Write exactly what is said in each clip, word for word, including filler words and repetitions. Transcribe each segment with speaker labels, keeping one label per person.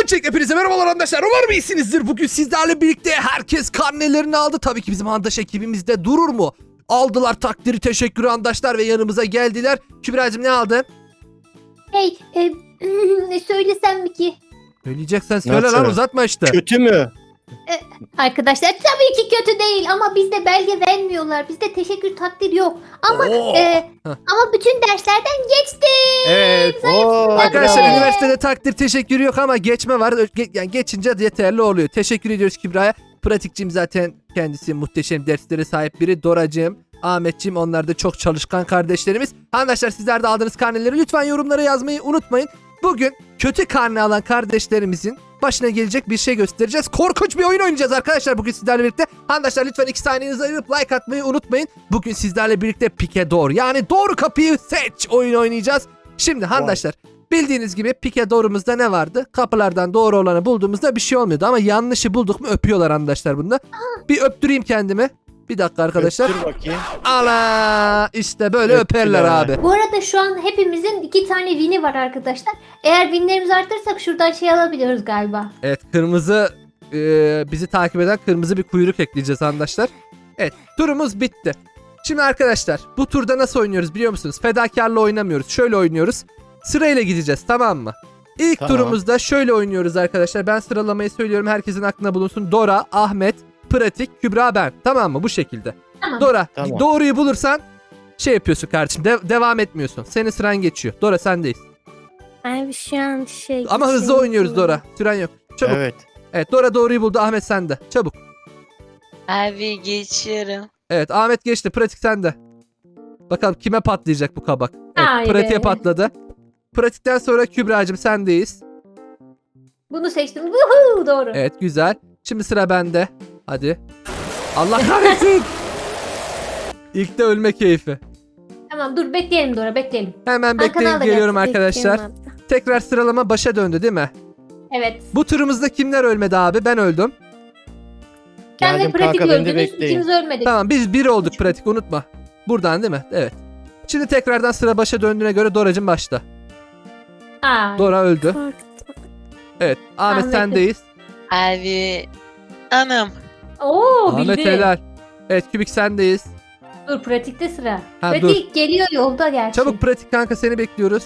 Speaker 1: Öncelikle hepinize merhabalar arkadaşlar. Umarım iyisinizdir. Bugün sizlerle birlikte herkes karnelerini aldı. Tabii ki bizim handaş ekibimizde durur mu? Aldılar takdiri, teşekkürü handaşlar ve yanımıza geldiler. Kübra'cığım ne aldın?
Speaker 2: Hey, e, ne söylesem mi ki?
Speaker 1: Söyleyeceksen söyle
Speaker 3: Nasıl?
Speaker 1: lan, uzatma işte.
Speaker 3: Kötü mü?
Speaker 2: Arkadaşlar tabii ki kötü değil ama bizde belge vermiyorlar. Bizde teşekkür takdir yok. Ama
Speaker 1: Oo.
Speaker 2: e,
Speaker 1: Heh.
Speaker 2: ama bütün derslerden geçtim.
Speaker 1: Evet.
Speaker 3: Oo,
Speaker 1: Arkadaşlar
Speaker 3: bravo.
Speaker 1: üniversitede takdir teşekkürü yok ama geçme var. Ge- Yani geçince yeterli oluyor. Teşekkür ediyoruz Kübra'ya. Pratikçim zaten kendisi muhteşem derslere sahip biri. Doracığım, Ahmetciğim, onlar da çok çalışkan kardeşlerimiz. Arkadaşlar sizler de aldığınız karneleri lütfen yorumlara yazmayı unutmayın. Bugün kötü karne alan kardeşlerimizin başına gelecek bir şey göstereceğiz. Korkunç bir oyun oynayacağız arkadaşlar bugün sizlerle birlikte. Arkadaşlar lütfen iki saniyenizi ayırıp like atmayı unutmayın. Bugün sizlerle birlikte pike doğru, yani doğru kapıyı seç oyun oynayacağız. Şimdi arkadaşlar bildiğiniz gibi pike doğrumuzda ne vardı? Kapılardan doğru olanı bulduğumuzda bir şey olmuyordu ama yanlışı bulduk mu öpüyorlar arkadaşlar bunda. Bir öptüreyim kendimi. Bir dakika arkadaşlar.
Speaker 3: Dur bakayım.
Speaker 1: Ala işte böyle
Speaker 3: Öptüler.
Speaker 1: öperler abi.
Speaker 2: Bu arada şu an hepimizin iki tane win'i var arkadaşlar. Eğer winlerimizi arttırırsak şuradan şey alabiliyoruz galiba.
Speaker 1: Evet, kırmızı e, bizi takip eden kırmızı bir kuyruk ekleyeceğiz arkadaşlar. Evet, turumuz bitti. Şimdi arkadaşlar bu turda nasıl oynuyoruz biliyor musunuz? Fedakarla oynamıyoruz. Şöyle oynuyoruz. Sırayla gideceğiz, tamam mı? İlk
Speaker 3: Tamam.
Speaker 1: turumuzda şöyle oynuyoruz arkadaşlar. Ben sıralamayı söylüyorum, herkesin aklına bulunsun. Dora, Ahmet, Pratik, Kübra, ben. Tamam mı? Bu şekilde.
Speaker 2: Tamam.
Speaker 1: Dora,
Speaker 3: Tamam.
Speaker 1: doğruyu bulursan şey yapıyorsun kardeşim. de- devam etmiyorsun. Senin sıran geçiyor. Dora sendeyiz.
Speaker 4: Abi şu an şey...
Speaker 1: Ama hızlı
Speaker 4: şey
Speaker 1: oynuyoruz
Speaker 4: yapıyorum.
Speaker 1: Dora. Süren yok. Çabuk. Evet.
Speaker 3: Evet.
Speaker 1: Dora doğruyu buldu. Ahmet sende. Çabuk.
Speaker 5: Abi geçiyorum.
Speaker 1: Evet, Ahmet geçti. Pratik sende. Bakalım kime patlayacak bu kabak. Evet,
Speaker 2: Ay
Speaker 1: pratiğe
Speaker 2: be.
Speaker 1: patladı. Pratikten sonra Kübra'cığım sendeyiz.
Speaker 2: Bunu seçtim. Woohoo, doğru.
Speaker 1: Evet, güzel. Şimdi sıra bende. Hadi. Allah kahretsin. İlk de ölme keyfi.
Speaker 2: Tamam dur bekleyelim Dora bekleyelim.
Speaker 1: Hemen
Speaker 2: Hakan
Speaker 1: bekleyin,
Speaker 2: al da
Speaker 1: geliyorum
Speaker 4: Bekliyorum
Speaker 1: arkadaşlar.
Speaker 4: abla.
Speaker 1: Tekrar sıralama başa döndü değil mi?
Speaker 2: Evet.
Speaker 1: Bu turumuzda kimler ölmedi abi? Ben öldüm.
Speaker 2: Sen de
Speaker 3: Geldim
Speaker 2: pratik
Speaker 3: kanka, beni de
Speaker 2: öldünüz.
Speaker 3: bekleyin.
Speaker 2: İkimiz ölmedik.
Speaker 1: Tamam, biz bir olduk pratik, unutma. Buradan değil mi? Evet. Şimdi tekrardan sıra başa döndüğüne göre Doracığım başta.
Speaker 2: Aa,
Speaker 1: Dora öldü.
Speaker 4: Korktum.
Speaker 1: Evet, Ahmet
Speaker 2: Ahmet'im.
Speaker 1: sendeyiz.
Speaker 5: Abi anam.
Speaker 2: Oo
Speaker 1: Ahmet
Speaker 2: bildi.
Speaker 1: helal. Evet, Kübik sendeyiz.
Speaker 2: Dur pratikte sıra.
Speaker 1: Ha,
Speaker 2: Pratik geliyor yolda gerçi.
Speaker 1: Çabuk pratik kanka, seni bekliyoruz.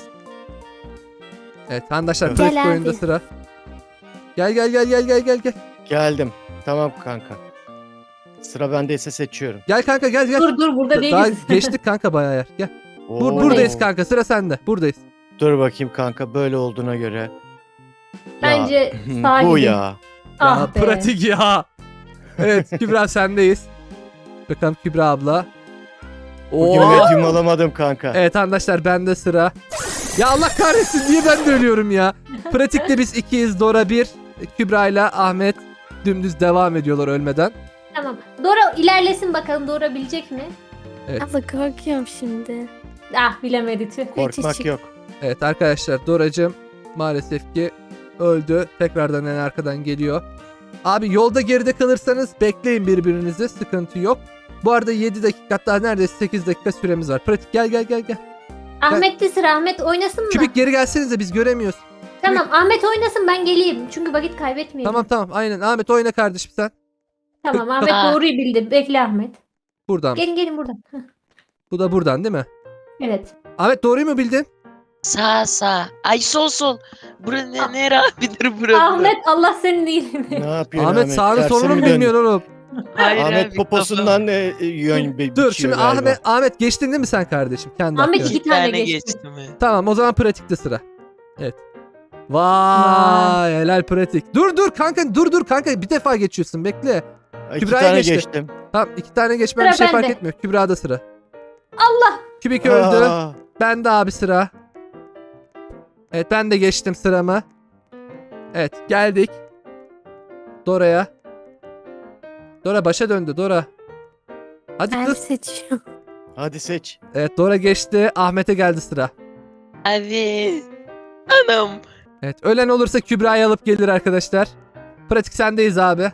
Speaker 1: Evet arkadaşlar,
Speaker 3: Gel
Speaker 1: pratik
Speaker 4: abi.
Speaker 1: oyunda sıra. Gel gel gel gel gel gel gel.
Speaker 3: Geldim. Tamam kanka. Sıra bendeyse seçiyorum.
Speaker 1: Gel kanka, gel gel.
Speaker 2: Dur dur burada
Speaker 1: Daha
Speaker 2: değiliz.
Speaker 1: geçtik kanka bayağı yer. Gel. Bur
Speaker 3: Oo.
Speaker 1: buradayız kanka, sıra sende. Buradayız.
Speaker 3: Dur bakayım kanka, böyle olduğuna göre.
Speaker 2: Bence
Speaker 3: Ya,
Speaker 2: sağa
Speaker 3: bu
Speaker 2: gidin.
Speaker 3: ya.
Speaker 2: Ah
Speaker 1: Ya
Speaker 2: be.
Speaker 1: pratik ya. Evet Kübra sendeyiz. Bakalım Kübra abla.
Speaker 3: Bugün
Speaker 1: Oo.
Speaker 3: medyum alamadım kanka.
Speaker 1: Evet arkadaşlar, bende sıra. Ya Allah kahretsin, niye ben de ölüyorum ya. Pratikte biz ikiyiz, Dora bir. Kübra ile Ahmet dümdüz devam ediyorlar ölmeden.
Speaker 2: Tamam. Dora ilerlesin bakalım Dora bilecek mi?
Speaker 1: Evet.
Speaker 4: Abla korkuyorum şimdi.
Speaker 2: Ah bilemedi tüh.
Speaker 3: Korkmak
Speaker 4: Küçük.
Speaker 3: yok.
Speaker 1: Evet arkadaşlar, Doracığım maalesef ki öldü. Tekrardan en arkadan geliyor. Abi yolda geride kalırsanız bekleyin birbirinizi, sıkıntı yok. Bu arada yedi dakika, hatta neredeyse sekiz dakika süremiz var. Pratik gel gel gel gel.
Speaker 2: Ahmet'te sıra. Ahmet oynasın mı?
Speaker 1: Kübik geri gelsenize, biz göremiyoruz.
Speaker 2: Tamam Ahmet oynasın ben geleyim. Çünkü vakit kaybetmeyelim.
Speaker 1: Tamam tamam, aynen. Ahmet oyna kardeşim sen.
Speaker 2: Tamam Ahmet
Speaker 5: Aa.
Speaker 2: doğruyu bildi. Bekle Ahmet.
Speaker 1: Buradan.
Speaker 2: Gelin gelin buradan. Heh,
Speaker 1: Bu da buradan değil mi?
Speaker 2: evet.
Speaker 1: Ahmet doğruyu mu bildin?
Speaker 5: Sağ sağ. Ay sol sol. Bura
Speaker 2: Ah.
Speaker 5: ne, nere abidir bura?
Speaker 2: Ahmet Allah senin iyiliğini.
Speaker 3: Ne yapıyorsun
Speaker 1: Ahmet sağını
Speaker 3: Tersine
Speaker 1: solunu mu
Speaker 3: mi döndün?
Speaker 1: bilmiyorsun oğlum?
Speaker 5: Hayır
Speaker 3: Ahmet
Speaker 5: abi,
Speaker 3: poposundan e, e, yön bi-
Speaker 1: Dur
Speaker 3: biçiyor
Speaker 1: şimdi
Speaker 3: galiba.
Speaker 1: Ahmet Ahmet geçtin değil mi sen kardeşim? Kendi
Speaker 2: Ahmet
Speaker 1: hakkına.
Speaker 2: iki
Speaker 5: İki
Speaker 2: tane
Speaker 5: tane
Speaker 2: geçti.
Speaker 5: geçtim. ben.
Speaker 1: Tamam, o zaman pratikte sıra. Evet. Vay helal pratik. Dur dur kanka, dur dur kanka, bir defa geçiyorsun, bekle.
Speaker 3: İki
Speaker 1: Kübra'ya
Speaker 3: tane
Speaker 1: geçti.
Speaker 3: geçtim.
Speaker 1: Tamam, iki tane geçmem
Speaker 2: Sıra
Speaker 1: bir şey fark
Speaker 2: bende.
Speaker 1: etmiyor. Kübra'da sıra.
Speaker 2: Allah.
Speaker 1: Kübik öldü.
Speaker 3: Aa,
Speaker 1: Ben de abi sıra. Evet, ben de geçtim sıramı. Evet, geldik. Dora'ya. Dora başa döndü, Dora. Hadi
Speaker 4: Ben
Speaker 1: kız.
Speaker 4: seçiyorum.
Speaker 3: hadi seç.
Speaker 1: Evet, Dora geçti. Ahmet'e geldi sıra.
Speaker 5: Abi. Anam.
Speaker 1: Evet, ölen olursa Kübra'yı alıp gelir arkadaşlar. Pratik sendeyiz abi.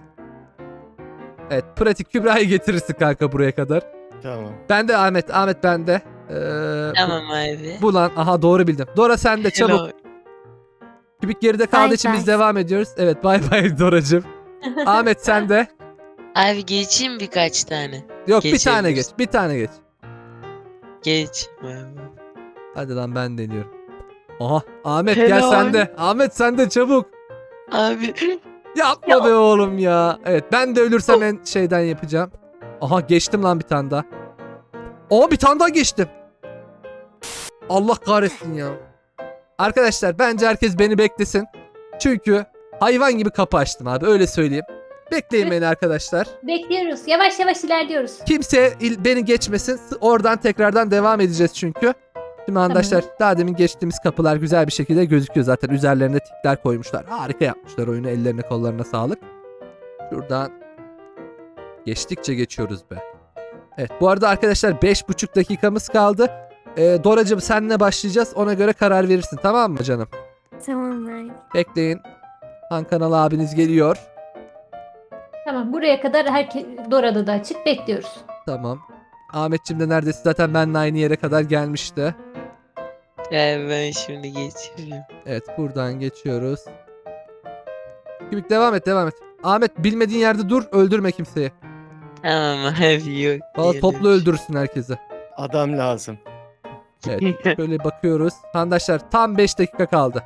Speaker 1: Evet, pratik Kübra'yı getirirsin kanka buraya kadar.
Speaker 3: Tamam.
Speaker 1: Ben de Ahmet, Ahmet bende. Ee,
Speaker 5: Tamam abi.
Speaker 1: bu lan, aha doğru bildim. Dora sende, çabuk.
Speaker 5: Helal.
Speaker 1: Kübik geride kaldığı
Speaker 4: Bay
Speaker 1: için biz
Speaker 4: bay.
Speaker 1: devam ediyoruz. Evet bay bay Doracığım. Ahmet sen de.
Speaker 5: Abi geçeyim birkaç tane.
Speaker 1: Yok bir tane geç.
Speaker 5: Geçebilirsin.
Speaker 1: Bir tane geç.
Speaker 5: Geç.
Speaker 1: Hadi lan ben deniyorum. Aha Ahmet gel
Speaker 5: Helal.
Speaker 1: sen de. Ahmet sen de çabuk.
Speaker 5: Abi.
Speaker 1: Yapma be oğlum ya. Evet ben de ölürsem en şeyden yapacağım. Aha geçtim lan bir tane daha. Aa bir tane daha geçtim. Allah kahretsin ya. Arkadaşlar bence herkes beni beklesin. Çünkü hayvan gibi kapı açtım abi öyle söyleyeyim. Bekleyin beni arkadaşlar.
Speaker 2: Bekliyoruz. Yavaş yavaş ilerliyoruz.
Speaker 1: Kimse il- beni geçmesin. S- Oradan tekrardan devam edeceğiz çünkü. Şimdi arkadaşlar daha demin geçtiğimiz kapılar güzel bir şekilde gözüküyor zaten. Üzerlerine tikler koymuşlar. Harika yapmışlar oyunu. Ellerine kollarına sağlık. Şuradan geçtikçe geçiyoruz be. Evet bu arada arkadaşlar beş buçuk dakikamız kaldı. Ee, Doracığım seninle başlayacağız. Ona göre karar verirsin tamam mı canım?
Speaker 4: Tamam abi.
Speaker 1: Bekleyin. Han Kanal abiniz geliyor.
Speaker 2: Tamam buraya kadar herkes Dora'da da açık bekliyoruz.
Speaker 1: Tamam. Ahmetciğim de neredeyse zaten benimle aynı yere kadar gelmişti.
Speaker 5: Abi ben şimdi geçiyorum.
Speaker 1: Evet buradan geçiyoruz. Kübik devam et devam et. Ahmet bilmediğin yerde dur öldürme kimseyi.
Speaker 5: Tamam abi yok.
Speaker 1: Valla
Speaker 5: diyelim.
Speaker 1: toplu öldürürsün herkesi.
Speaker 3: Adam lazım.
Speaker 1: Evet şöyle bakıyoruz. Arkadaşlar tam beş dakika kaldı.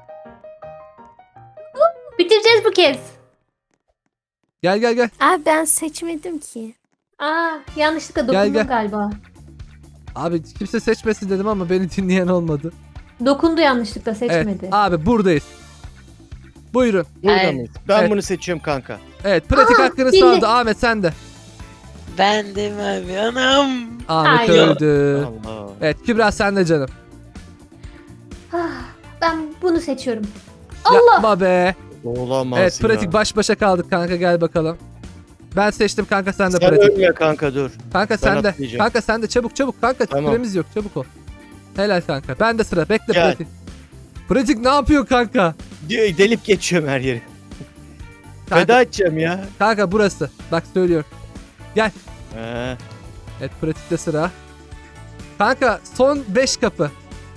Speaker 2: Bitireceğiz bu kez.
Speaker 1: Gel gel gel.
Speaker 4: Abi ben seçmedim ki.
Speaker 2: Aa yanlışlıkla
Speaker 1: Gel,
Speaker 2: dokundum
Speaker 1: gel.
Speaker 2: galiba.
Speaker 1: Abi kimse seçmesin dedim ama beni dinleyen olmadı.
Speaker 2: Dokundu yanlışlıkla seçmedi.
Speaker 1: Evet abi buradayız. Buyurun.
Speaker 3: Burada
Speaker 5: Evet.
Speaker 3: mıyız? Ben
Speaker 1: Evet.
Speaker 3: bunu seçiyorum kanka.
Speaker 1: Evet pratik
Speaker 2: Aa,
Speaker 1: hakkını
Speaker 2: bildi.
Speaker 1: sağladı. Ahmet sen de.
Speaker 5: Ben de mi abi anam.
Speaker 1: Ahmet
Speaker 2: Ay.
Speaker 1: öldü.
Speaker 3: Allah.
Speaker 1: Evet Kübra sen de canım.
Speaker 2: Ah, ben bunu seçiyorum. Allah!
Speaker 1: Yapma be.
Speaker 3: Olamaz
Speaker 1: Evet
Speaker 3: ya.
Speaker 1: pratik baş başa kaldık kanka gel bakalım. Ben seçtim kanka sen de
Speaker 3: Sen
Speaker 1: pratik.
Speaker 3: ölme kanka dur.
Speaker 1: Kanka sen de.
Speaker 3: atlayacağım.
Speaker 1: Kanka sen de çabuk çabuk kanka
Speaker 3: Tamam.
Speaker 1: süremiz yok çabuk ol. Helal kanka. Ben de sıra bekle
Speaker 3: Gel.
Speaker 1: pratik. Pratik ne yapıyor kanka?
Speaker 3: Diyor, delip geçiyorum her yeri.
Speaker 1: Kanka,
Speaker 3: Feda edeceğim ya.
Speaker 1: kanka burası. Bak söylüyorum.
Speaker 3: He.
Speaker 1: Evet pratikte sıra. Kanka son beş kapı.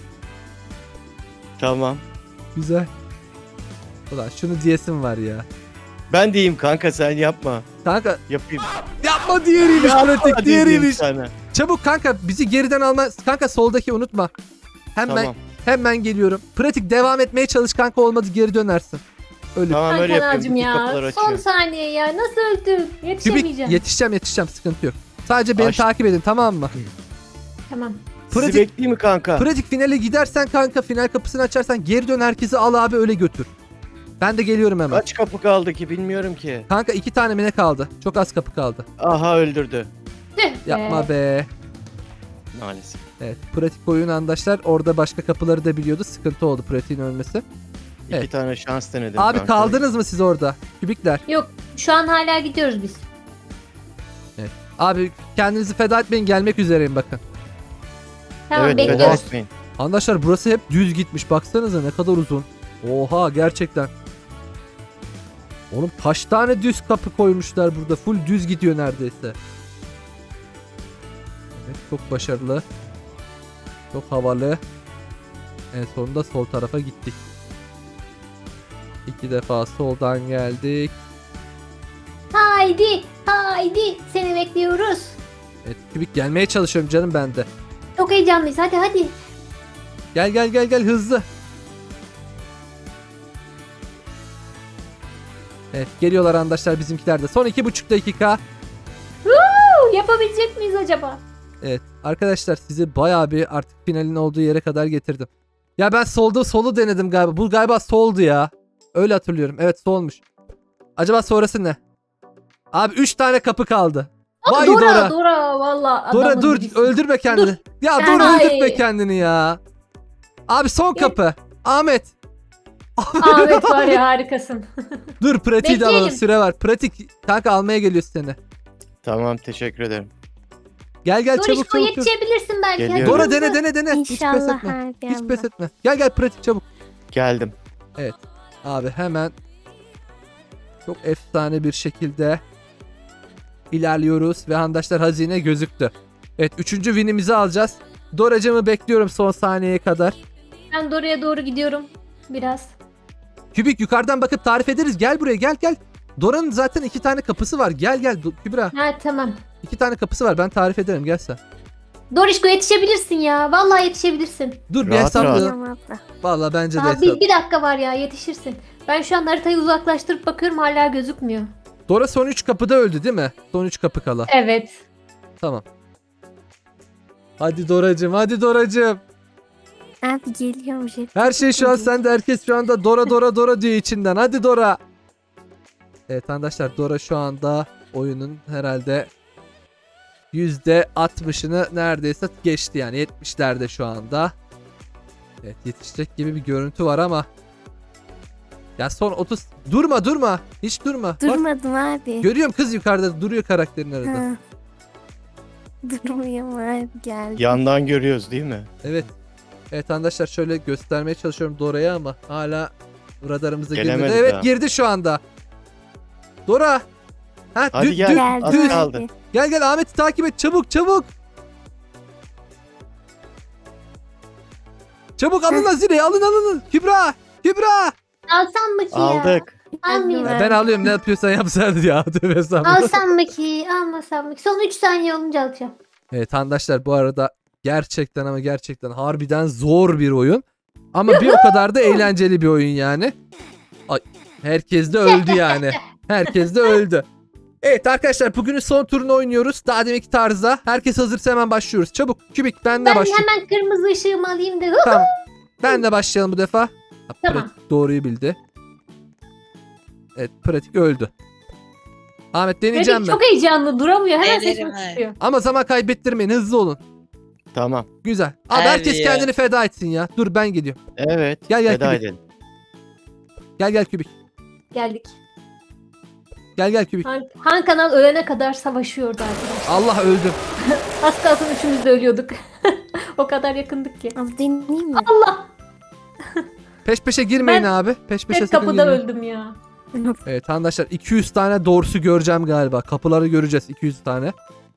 Speaker 3: Tamam.
Speaker 1: Güzel. Ulan şunu diyesim var ya.
Speaker 3: Ben diyeyim kanka sen yapma.
Speaker 1: Kanka
Speaker 3: Yapayım.
Speaker 1: yapma diğeriymiş
Speaker 3: Yapma
Speaker 1: pratik
Speaker 3: diyeyim
Speaker 1: diğeriymiş.
Speaker 3: sana.
Speaker 1: Çabuk kanka bizi geriden alma. Kanka soldaki unutma. Hemen
Speaker 3: Tamam.
Speaker 1: hemen geliyorum. Pratik devam etmeye çalış kanka olmadı geri dönersin. Ölür.
Speaker 3: Tamam öyle
Speaker 2: Hakan
Speaker 3: yapıyorum.
Speaker 2: ağacım
Speaker 3: Bütün kapıları
Speaker 2: ya. Son
Speaker 3: açıyorum.
Speaker 2: saniye ya. Nasıl öldüm?
Speaker 1: Kübik
Speaker 2: Yetişemeyeceğim.
Speaker 1: yetişeceğim yetişeceğim sıkıntı yok. Sadece beni
Speaker 3: Aç.
Speaker 1: takip edin tamam mı?
Speaker 2: Tamam.
Speaker 3: Sizi
Speaker 1: Pratik-
Speaker 3: bekleyeyim mi kanka?
Speaker 1: Pratik finale gidersen kanka final kapısını açarsan geri dön herkesi al abi öyle götür. Ben de geliyorum hemen.
Speaker 3: Kaç kapı kaldı ki bilmiyorum ki.
Speaker 1: Kanka iki tane mi ne kaldı? Çok az kapı kaldı.
Speaker 3: Aha öldürdü.
Speaker 2: Tüh be.
Speaker 1: Yapma be.
Speaker 3: Maalesef.
Speaker 1: Evet pratik oyun arkadaşlar orada başka kapıları da biliyordu. Sıkıntı oldu pratiğin ölmesi.
Speaker 3: İki
Speaker 1: Evet.
Speaker 3: tane şans denedim
Speaker 1: Abi
Speaker 3: kanka.
Speaker 1: kaldınız mı siz orada? Kübikler.
Speaker 2: Yok şu an hala gidiyoruz biz.
Speaker 1: Abi kendinizi feda etmeyin gelmek üzereyim bakın.
Speaker 2: Tamam
Speaker 3: Evet feda
Speaker 2: bekliyoruz.
Speaker 3: etmeyin.
Speaker 1: Arkadaşlar burası hep düz gitmiş. Baksanıza ne kadar uzun. Oha gerçekten. Oğlum kaç tane düz kapı koymuşlar burada. Full düz gidiyor neredeyse. Evet çok başarılı. Çok havalı. En sonunda sol tarafa gittik. İki defa soldan geldik.
Speaker 2: Haydi haydi seni bekliyoruz.
Speaker 1: Evet kübik gelmeye çalışıyorum canım ben de.
Speaker 2: Çok heyecanlıyız hadi hadi.
Speaker 1: Gel gel gel gel hızlı. Evet geliyorlar arkadaşlar bizimkiler de. Son iki buçuk dakika.
Speaker 2: Huu, yapabilecek miyiz acaba?
Speaker 1: Evet arkadaşlar sizi bayağı bir artık finalin olduğu yere kadar getirdim. Ya ben solda solu denedim galiba. Bu galiba soldu ya. Öyle hatırlıyorum. Evet solmuş. Acaba sonrası ne? Abi üç tane kapı kaldı. Vay
Speaker 2: Dora
Speaker 1: Dora.
Speaker 2: Dora valla.
Speaker 1: Dora
Speaker 2: adamın
Speaker 1: dur
Speaker 2: birisi.
Speaker 1: öldürme kendini. Ya dur
Speaker 2: Ay.
Speaker 1: öldürme kendini ya. Abi son kapı. Ahmet.
Speaker 2: Ahmet var ya harikasın.
Speaker 1: Dur pratiği de alalım
Speaker 2: Bekleyelim.
Speaker 1: süre var. Pratik kanka almaya geliyor seni.
Speaker 3: Tamam teşekkür ederim.
Speaker 1: Gel gel
Speaker 2: Dur
Speaker 1: çabuk
Speaker 2: işte
Speaker 1: çabuk. çabuk.
Speaker 2: yetişebilirsin belki.
Speaker 3: Geliyorum.
Speaker 2: hadi
Speaker 1: Dora
Speaker 2: hızlı.
Speaker 1: dene dene dene. Hiç pes
Speaker 4: İnşallah
Speaker 1: etme.
Speaker 4: abi
Speaker 1: Hiç
Speaker 4: abla.
Speaker 1: pes etme. Gel gel pratik çabuk.
Speaker 3: Geldim.
Speaker 1: Abi hemen çok efsane bir şekilde ilerliyoruz ve arkadaşlar hazine gözüktü. Evet üçüncü winimizi alacağız. Doracımı bekliyorum son saniyeye kadar.
Speaker 2: Ben Dora'ya doğru gidiyorum. Biraz.
Speaker 1: Kübik yukarıdan bakıp tarif ederiz. Gel buraya gel gel. Dora'nın zaten iki tane kapısı var. Gel gel Do- Kübra.
Speaker 2: Ha tamam.
Speaker 1: İki tane kapısı var. Ben tarif ederim. Gel sen.
Speaker 2: Dorişko yetişebilirsin ya. Vallahi yetişebilirsin.
Speaker 1: Dur bir
Speaker 3: Rahat,
Speaker 1: hesaplayalım.
Speaker 4: Tamam abla.
Speaker 1: Vallahi bence de
Speaker 2: Daha
Speaker 1: hesap.
Speaker 2: bir, bir dakika var ya yetişirsin. Ben şu an haritayı uzaklaştırıp bakıyorum hala gözükmüyor.
Speaker 1: Dora son üç kapıda öldü değil mi? Son üç kapı kala.
Speaker 2: Evet.
Speaker 1: Tamam. Hadi Doracığım, hadi Doracığım.
Speaker 4: Abi geliyorum jet.
Speaker 1: Her şey şu an sende. Herkes şu anda Dora Dora Dora diyor içinden. Hadi Dora. Evet arkadaşlar, Dora şu anda oyunun herhalde yüzde altmışını neredeyse geçti yani. yetmişlerde şu anda. Evet, yetişecek gibi bir görüntü var ama. Ya son otuz. Durma durma. Hiç durma. Bak,
Speaker 4: Durmadım abi.
Speaker 1: görüyorum kız yukarıda duruyor karakterin arada.
Speaker 4: Ha. Durmuyorum abi geldi.
Speaker 3: Yandan görüyoruz değil mi?
Speaker 1: Evet. Evet arkadaşlar, şöyle göstermeye çalışıyorum Dora'ya ama hala radarımıza girmedi.
Speaker 3: Gelemedi
Speaker 1: Evet
Speaker 3: daha.
Speaker 1: girdi şu anda. Dora. Ha,
Speaker 3: Hadi
Speaker 1: dü-
Speaker 3: gel.
Speaker 1: dü-
Speaker 4: Geldi
Speaker 3: Az
Speaker 4: abi.
Speaker 3: kaldı.
Speaker 1: Gel gel Ahmet'i takip et çabuk çabuk. Çabuk alın Azire'yi, alın alın. Kübra. Kübra.
Speaker 2: Alsam mı ki ya?
Speaker 3: Aldık.
Speaker 2: Almayayım.
Speaker 4: Evet.
Speaker 1: Ben alıyorum, ne yapıyorsan yapsan ya. Tövbe estağfurullah.
Speaker 2: Alsam mı ki? Almasam mı ki? Son üç saniye olunca alacağım.
Speaker 1: Evet arkadaşlar, bu arada gerçekten ama gerçekten harbiden zor bir oyun. Ama bir o kadar da eğlenceli bir oyun yani. Ay, herkes de öldü yani. Herkes de öldü. Evet arkadaşlar, bugünün son turunu oynuyoruz. Daha deminki tarzda. Herkes hazırsa hemen başlıyoruz. Çabuk Kübik, benle
Speaker 2: Ben
Speaker 1: başlıyor.
Speaker 2: hemen kırmızı ışığımı alayım da.
Speaker 1: Tamam. Benle başlayalım bu defa. Ha,
Speaker 2: Tamam.
Speaker 1: Pratik doğruyu bildi. Evet, pratik öldü. Ahmet deneyeceğim
Speaker 2: Pratik
Speaker 1: mi?
Speaker 2: çok heyecanlı duramıyor. Hemen
Speaker 5: Denerim
Speaker 2: sesimi
Speaker 5: abi.
Speaker 2: tutuyor.
Speaker 1: Ama zaman kaybettirmeyin, hızlı olun.
Speaker 3: Tamam.
Speaker 1: Güzel. Abi
Speaker 5: Abi
Speaker 1: herkes
Speaker 5: ya.
Speaker 1: kendini feda etsin ya. Dur ben geliyorum.
Speaker 3: Evet.
Speaker 1: Gel, gel,
Speaker 3: Veda
Speaker 1: Kübik.
Speaker 3: edelim.
Speaker 1: Gel gel Kübik.
Speaker 2: Geldik.
Speaker 1: Gel gel Kübik.
Speaker 2: Han, Han Kanal ölene kadar savaşıyordu arkadaşlar.
Speaker 1: Allah öldüm.
Speaker 2: Az kalsın üçümüz de ölüyorduk. O kadar yakındık ki.
Speaker 4: Abi deneyeyim mi?
Speaker 2: Allah!
Speaker 1: Peş peşe girmeyin
Speaker 2: Ben
Speaker 1: abi. Peş peşe
Speaker 2: Hep
Speaker 1: sakın
Speaker 2: kapıda
Speaker 1: girmeyin.
Speaker 2: öldüm ya.
Speaker 1: Evet arkadaşlar, iki yüz tane doğrusu göreceğim galiba. Kapıları göreceğiz, iki yüz tane.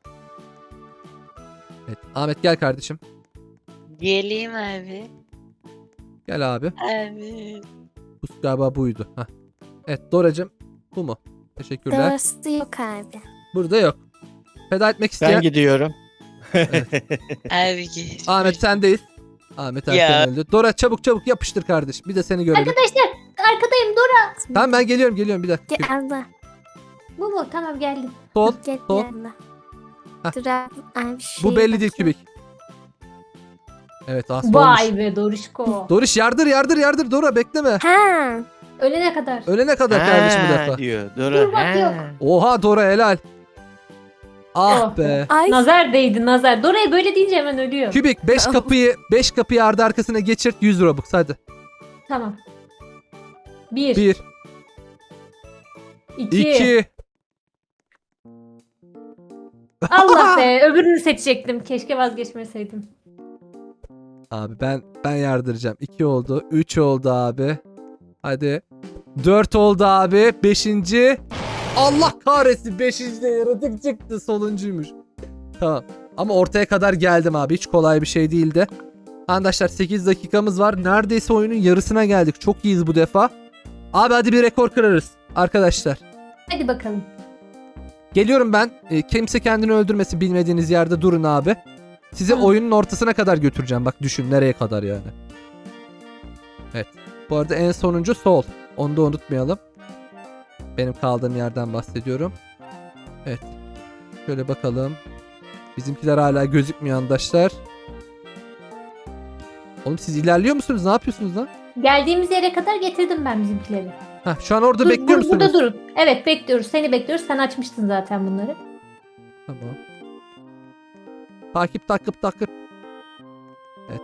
Speaker 1: Evet Ahmet gel kardeşim.
Speaker 5: Geleyim abi.
Speaker 1: Gel abi.
Speaker 5: Abi.
Speaker 1: Bu galiba buydu. Heh. Evet Doracığım, bu mu? Teşekkürler.
Speaker 4: Doğrusu yok abi.
Speaker 1: Burada yok. Feda etmek isteyen
Speaker 3: Ben gidiyorum.
Speaker 5: Abi geç.
Speaker 1: Ahmet sendeyiz. Ahmet
Speaker 5: Ya.
Speaker 1: erken öldü. Dora çabuk çabuk yapıştır kardeşim. Bir de seni görelim.
Speaker 2: Arkadaşlar arkadayım Dora.
Speaker 1: Tamam ben geliyorum geliyorum bir dakika.
Speaker 4: Gel abla.
Speaker 2: Bu mu? Tamam geldim.
Speaker 1: Sol.
Speaker 4: Gel
Speaker 1: Sol.
Speaker 4: abla.
Speaker 1: Hah.
Speaker 4: Dur abi. abi şey
Speaker 1: Bu belli değil
Speaker 4: bakayım.
Speaker 1: Kübik. Evet aslında olmuş.
Speaker 2: Vay be Dorişko.
Speaker 1: Doriş yardır yardır yardır Dora bekleme.
Speaker 4: Ha.
Speaker 2: Ölene kadar.
Speaker 1: Ölene kadar kardeşim bu
Speaker 3: Ha,
Speaker 1: defa.
Speaker 3: diyor.
Speaker 2: Dur
Speaker 3: Dur.
Speaker 2: bak, yok.
Speaker 1: Oha Dora helal. Ah
Speaker 2: Oh
Speaker 1: be.
Speaker 2: be.
Speaker 4: Ay.
Speaker 2: Nazar değdi nazar. Dora'ya böyle deyince hemen ölüyor.
Speaker 1: Kübik beş kapıyı beş kapıyı ardı arkasına geçirt, yüz Robux hadi.
Speaker 2: Tamam. Bir.
Speaker 1: bir
Speaker 2: iki.
Speaker 1: iki
Speaker 2: Allah be öbürünü seçecektim. Keşke vazgeçmeseydim.
Speaker 1: Abi ben ben yardıracağım. iki oldu. üç oldu abi. Hadi. dört oldu abi. beşinci. Allah kahretsin. beşinci de yaratık çıktı. Sonuncuymuş. Tamam. Ama ortaya kadar geldim abi. Hiç kolay bir şey değildi. Arkadaşlar sekiz dakikamız var. Neredeyse oyunun yarısına geldik. Çok iyiyiz bu defa. Abi hadi bir rekor kırarız. Arkadaşlar.
Speaker 2: Hadi bakalım.
Speaker 1: Geliyorum ben. E, kimse kendini öldürmesin, bilmediğiniz yerde durun abi. Sizi
Speaker 2: Hı.
Speaker 1: oyunun ortasına kadar götüreceğim. Bak düşün nereye kadar yani. Evet. Bu arada en sonuncu sol. Onu da unutmayalım. Benim kaldığım yerden bahsediyorum. Evet. Şöyle bakalım. Bizimkiler hala gözükmüyor arkadaşlar. Oğlum siz ilerliyor musunuz? Ne yapıyorsunuz lan?
Speaker 2: Geldiğimiz yere kadar getirdim ben bizimkileri.
Speaker 1: Heh, şu an orada
Speaker 2: Dur,
Speaker 1: bekliyor
Speaker 2: bur-
Speaker 1: musunuz?
Speaker 2: Burada durun. Evet bekliyoruz. Seni bekliyoruz. Sen açmıştın zaten bunları.
Speaker 1: Tamam. Takip takip takip. Evet.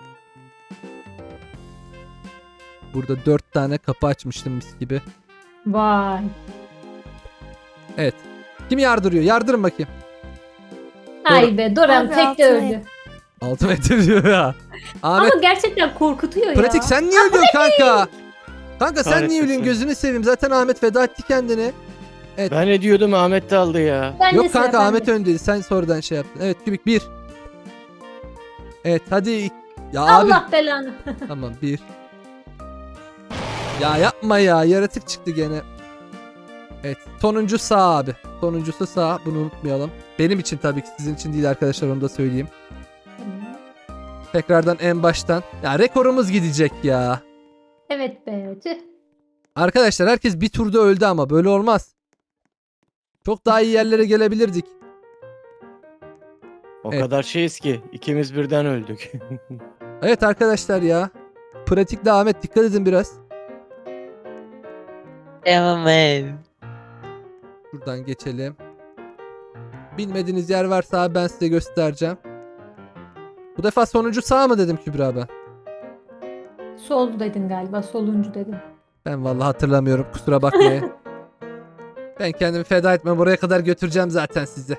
Speaker 1: Burada dört tane kapı açmıştım mis gibi.
Speaker 2: Vay.
Speaker 1: Evet. Kim yardırıyor? Yardırın bakayım.
Speaker 2: Ay be Doran
Speaker 4: Abi,
Speaker 2: tek de
Speaker 4: altına
Speaker 2: öldü.
Speaker 1: Altı metre diyor ya. Ahmet
Speaker 2: Ama gerçekten korkutuyor
Speaker 1: pratik
Speaker 2: ya.
Speaker 1: sen niye ölüyorsun kanka? Kanka sen niye
Speaker 3: Kahretmesin.
Speaker 1: ölüyorsun? Gözünü seveyim. Zaten Ahmet feda etti kendini.
Speaker 3: Ben ne diyordum, Ahmet de aldı ya.
Speaker 2: Ben de
Speaker 1: Yok
Speaker 2: sıra
Speaker 1: kanka
Speaker 2: bende.
Speaker 1: Ahmet öndeydi. Sen sonradan şey yaptın. Evet Kübik bir. Evet hadi. Ya abi.
Speaker 2: Allah belanı.
Speaker 1: Tamam bir. Ya yapma ya. Yaratık çıktı gene. Evet. Sonuncu sağ abi. Sonuncusu sağ. Bunu unutmayalım. Benim için tabii ki. Sizin için değil arkadaşlar. Onu da söyleyeyim. Tekrardan en baştan. Ya rekorumuz gidecek ya.
Speaker 2: Evet be. Tüh.
Speaker 1: Arkadaşlar herkes bir turda öldü ama böyle olmaz. Çok daha iyi yerlere gelebilirdik.
Speaker 3: O
Speaker 1: Evet.
Speaker 3: kadar şeyiz ki ikimiz birden öldük.
Speaker 1: Evet arkadaşlar ya. Pratikle Ahmet dikkat edin biraz.
Speaker 5: Tamam abi.
Speaker 1: Şuradan geçelim. Bilmediğiniz yer varsa abi ben size göstereceğim. Bu defa sonuncu sağ mı dedim Kübra ben?
Speaker 2: Sol dedin galiba. Soluncu dedin.
Speaker 1: Ben vallahi hatırlamıyorum, kusura bakmayın. Ben kendimi feda etmem, oraya kadar götüreceğim zaten sizi.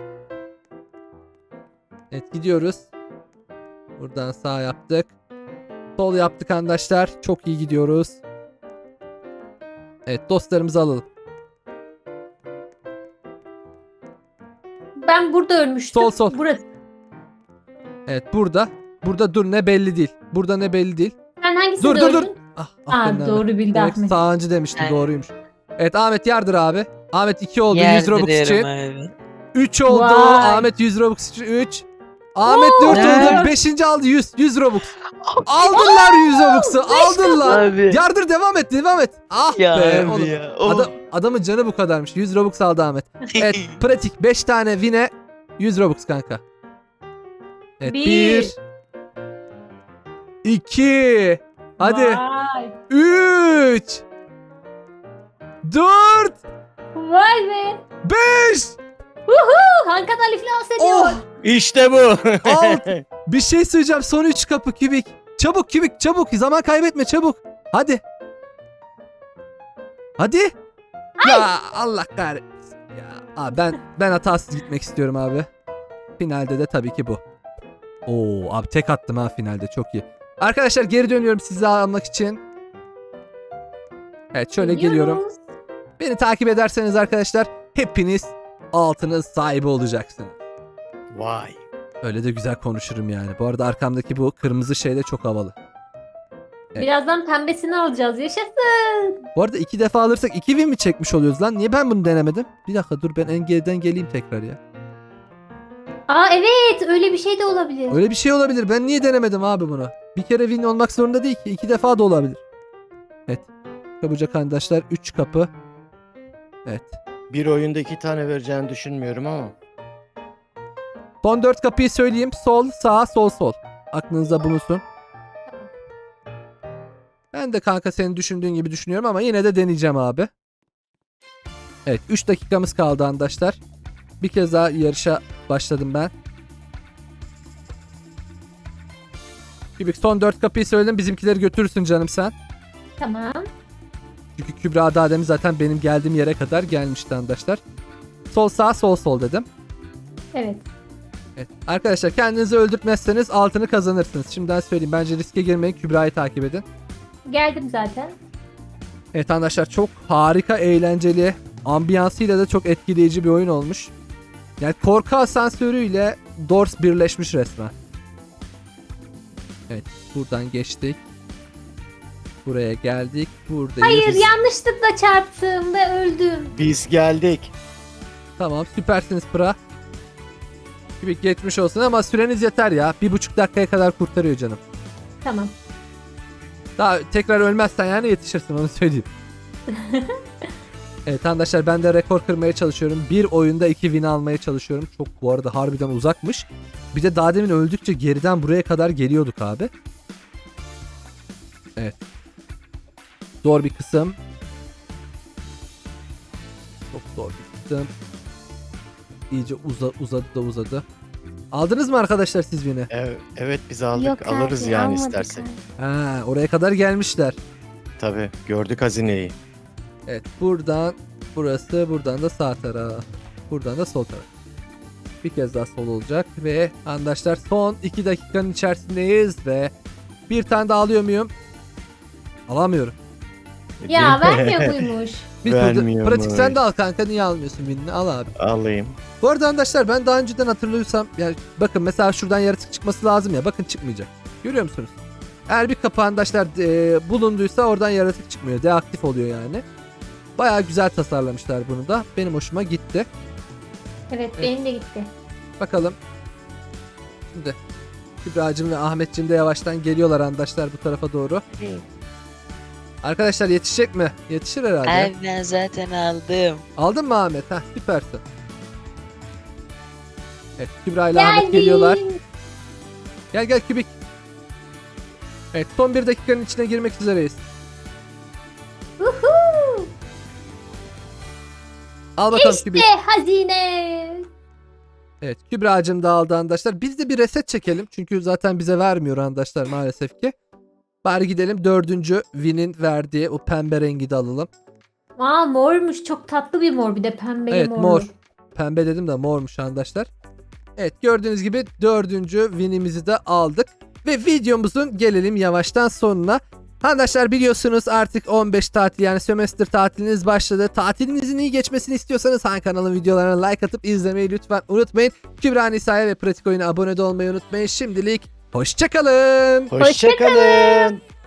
Speaker 1: Evet gidiyoruz. Buradan sağ yaptık. Sol yaptık arkadaşlar. Çok iyi gidiyoruz. Evet dostlarımızı alalım.
Speaker 2: Ben burada ölmüştüm.
Speaker 1: Sol, sol.
Speaker 2: Burası.
Speaker 1: Evet burada. Burada dur ne belli değil. Burada ne belli değil.
Speaker 2: Sen hangisinde
Speaker 1: Dur dur dur.
Speaker 2: öldün?
Speaker 1: Ah, ah
Speaker 2: Aa,
Speaker 1: benim
Speaker 2: doğru bildi
Speaker 1: Demek
Speaker 2: Ahmet.
Speaker 1: sağıncı demiştim,
Speaker 5: Evet.
Speaker 1: doğruymuş. Evet Ahmet yardır abi. Ahmet iki oldu yüz Robux için.
Speaker 5: Yerdiriyorum abi.
Speaker 1: üç oldu.
Speaker 2: Vay.
Speaker 1: Ahmet yüz Robux için üç. Ahmet dört
Speaker 5: Ne?
Speaker 1: oldu. beşinci aldı yüz. yüz Robux. Aldınlar yüz Robux'u. Aldılar.
Speaker 5: Abi.
Speaker 1: Yardır devam et devam et. Ah
Speaker 5: Ya
Speaker 1: be
Speaker 5: abi
Speaker 1: oğlum.
Speaker 5: ya. Oh.
Speaker 1: Adam, adamın canı bu kadarmış. yüz Robux aldı Ahmet. Evet pratik beş tane win'e yüz Robux kanka. Evet
Speaker 2: Bir.
Speaker 1: bir. iki. Hadi.
Speaker 2: Vay.
Speaker 1: üç. dört.
Speaker 2: Vay be.
Speaker 1: beş.
Speaker 2: Hakan Ali iflas ediyor.
Speaker 1: Oh.
Speaker 3: İşte bu.
Speaker 1: Al. Bir şey söyleyeceğim. Son üç kapı kübik. Çabuk kübik çabuk. Zaman kaybetme çabuk. Hadi. Hadi. Ya Allah kahretsin. Ya abi ben ben hatasız gitmek istiyorum abi. Finalde de tabii ki bu. Oo abi tek attım ha finalde, çok iyi. Arkadaşlar geri dönüyorum sizi almak için. Evet şöyle geliyorum.
Speaker 2: Gidiyoruz.
Speaker 1: Beni takip ederseniz arkadaşlar hepiniz altınız sahibi olacaksınız.
Speaker 3: Vay.
Speaker 1: Öyle de güzel konuşurum yani. Bu arada arkamdaki bu kırmızı şey de çok havalı. Evet.
Speaker 2: Birazdan pembesini alacağız. Yaşasın.
Speaker 1: Bu arada iki defa alırsak iki win mi çekmiş oluyoruz lan? Niye ben bunu denemedim? Bir dakika dur ben en geriden geleyim tekrar ya.
Speaker 2: Aa evet, öyle bir şey de olabilir.
Speaker 1: Öyle bir şey olabilir. Ben niye denemedim abi bunu? Bir kere win olmak zorunda değil ki. İki defa da olabilir. Evet. Çabucak arkadaşlar. Üç kapı. Evet.
Speaker 3: Bir oyunda iki tane vereceğini düşünmüyorum ama.
Speaker 1: Son dört kapıyı söyleyeyim. Sol, sağ, sol, sol. Aklınızda bulunsun. Ben de kanka senin düşündüğün gibi düşünüyorum ama yine de deneyeceğim abi. Evet. Üç dakikamız kaldı arkadaşlar. Bir kez daha yarışa başladım ben. Kübik son dört kapıyı söyledim. Bizimkileri götürürsün canım sen.
Speaker 2: Tamam.
Speaker 1: Çünkü Kübra daha demin zaten benim geldiğim yere kadar gelmişti arkadaşlar. Sol sağ sol sol dedim.
Speaker 2: Evet.
Speaker 1: Evet. Arkadaşlar kendinizi öldürtmezseniz altını kazanırsınız. Şimdiden söyleyeyim. Bence riske girmeyin. Kübra'yı takip edin.
Speaker 2: Geldim zaten.
Speaker 1: Evet arkadaşlar çok harika, eğlenceli, ambiyansıyla da çok etkileyici bir oyun olmuş. Yani korku asansörüyle Doors birleşmiş resmen. Evet buradan geçtik. Buraya geldik. Buradayız.
Speaker 2: Hayır, yanlışlıkla çarptım ve öldüm.
Speaker 3: Biz geldik.
Speaker 1: Tamam süpersiniz Pıra. Kübik geçmiş olsun ama süreniz yeter ya. Bir buçuk dakikaya kadar kurtarıyor canım.
Speaker 2: Tamam.
Speaker 1: Daha tekrar ölmezsen yani yetişirsin, onu söyleyeyim. Evet arkadaşlar ben de rekor kırmaya çalışıyorum. Bir oyunda iki win almaya çalışıyorum. Çok bu arada harbiden uzakmış. Bir de daha demin öldükçe geriden buraya kadar geliyorduk abi. Evet. Zor bir kısım. Çok zor bir kısım. İyice uza, uzadı da uzadı. Aldınız mı arkadaşlar siz win'i?
Speaker 3: Evet, evet biz aldık.
Speaker 4: Yok
Speaker 3: Alırız
Speaker 4: abi,
Speaker 3: yani
Speaker 4: almadık
Speaker 3: istersek.
Speaker 4: abi.
Speaker 1: Ha, oraya kadar gelmişler.
Speaker 3: Tabii gördük hazineyi.
Speaker 1: Evet buradan burası, buradan da sağ taraf. Buradan da sol taraf. Bir kez daha sol olacak ve arkadaşlar son iki dakikanın içerisindeyiz ve bir tane daha alıyor muyum? Alamıyorum.
Speaker 2: Ya vermiyor buymuş.
Speaker 1: Bir turda,
Speaker 3: Vermiyormuş.
Speaker 1: pratik sen de al kanka, niye almıyorsun winini? Al abi.
Speaker 3: Alayım.
Speaker 1: Bu arada arkadaşlar ben daha önceden hatırlıyorsam yani bakın mesela şuradan yaratık çıkması lazım ya, bakın çıkmayacak. Görüyor musunuz? Eğer bir kapı arkadaşlar e, bulunduysa oradan yaratık çıkmıyor. Deaktif oluyor yani. Bayağı güzel tasarlamışlar bunu da. Benim hoşuma gitti.
Speaker 2: Evet,
Speaker 1: Evet.
Speaker 2: benim de gitti.
Speaker 1: Bakalım. Şimdi Kübra'cığım ve Ahmetciğim de yavaştan geliyorlar arkadaşlar bu tarafa doğru.
Speaker 5: Evet.
Speaker 1: Arkadaşlar yetişecek mi? Yetişir herhalde.
Speaker 5: Abi ben zaten aldım.
Speaker 1: Aldın mı Ahmet? Heh, süpersin. Evet, Kübra ile Ahmet geliyorlar.
Speaker 2: Geldim.
Speaker 1: Gel gel Kübik. Evet, son bir dakikanın içine girmek üzereyiz.
Speaker 2: Uhu.
Speaker 1: Al bakalım Kübik.
Speaker 2: İşte hazine.
Speaker 1: Evet, Kübra'cığım da aldı arkadaşlar. Biz de bir reset çekelim. Çünkü zaten bize vermiyor arkadaşlar maalesef ki. Bari gidelim dördüncü Win'in verdiği o pembe rengi de alalım.
Speaker 2: Aa, mormuş. Çok tatlı bir mor, bir de pembeli
Speaker 1: Evet,
Speaker 2: mor.
Speaker 1: mor. Pembe dedim de mormuş arkadaşlar. Evet, gördüğünüz gibi dördüncü Win'imizi de aldık. Ve videomuzun gelelim yavaştan sonuna. Arkadaşlar biliyorsunuz artık on beş tatil yani sömestr tatiliniz başladı. Tatilinizin iyi geçmesini istiyorsanız Han kanalın videolarına like atıp izlemeyi lütfen unutmayın. Kübra Nisa'ya ve Pratik Oyun'a abone de olmayı unutmayın. Şimdilik hoşçakalın.
Speaker 3: Hoşçakalın.